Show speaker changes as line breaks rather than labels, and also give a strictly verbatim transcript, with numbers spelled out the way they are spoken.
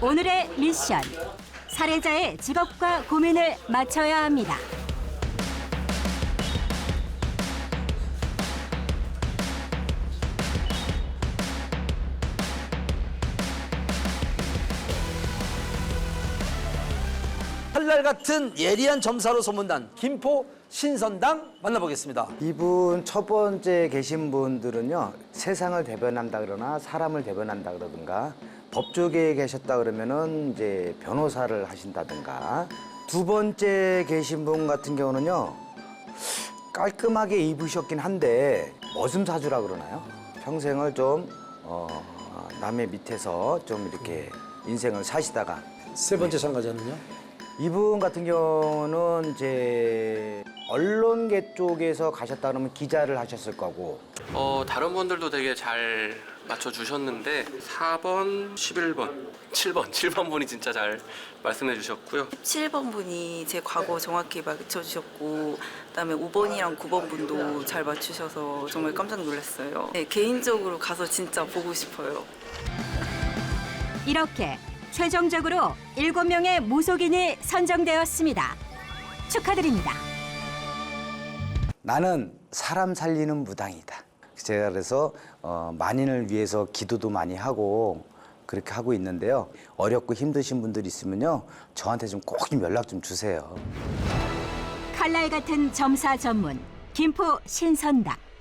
오늘의 미션. 살해자의 직업과 고민을 맞춰야 합니다.
칼날 같은 예리한 점사로 소문난 김포 신선당 만나보겠습니다.
이분 첫 번째 계신 분들은요, 세상을 대변한다 그러나 사람을 대변한다 그러든가, 법조계에 계셨다 그러면은 이제 변호사를 하신다든가, 두 번째 계신 분 같은 경우는요, 깔끔하게 입으셨긴 한데 머슴사주라 그러나요? 평생을 좀 어, 남의 밑에서 좀 이렇게 인생을 사시다가.
세 번째 참가자는요?
이분 같은 경우는 이제 언론계 쪽에서 가셨다 그러면 기자를 하셨을 거고.
어, 다른 분들도 되게 잘 맞춰주셨는데 사 번, 십일 번, 칠 번, 칠 번 분이 진짜 잘 말씀해 주셨고요.
칠 번 분이 제 과거 정확히 맞춰주셨고, 그다음에 오 번이랑 구 번 분도 잘 맞추셔서 정말 깜짝 놀랐어요. 네, 개인적으로 가서 진짜 보고 싶어요.
이렇게 최종적으로 일곱 명의 무속인이 선정되었습니다. 축하드립니다.
나는 사람 살리는 무당이다. 제가 그래서 어, 만인을 위해서 기도도 많이 하고 그렇게 하고 있는데요. 어렵고 힘드신 분들 있으면요, 저한테 좀 꼭 좀 연락 좀 주세요.
칼날 같은 점사 전문 김포 신선당.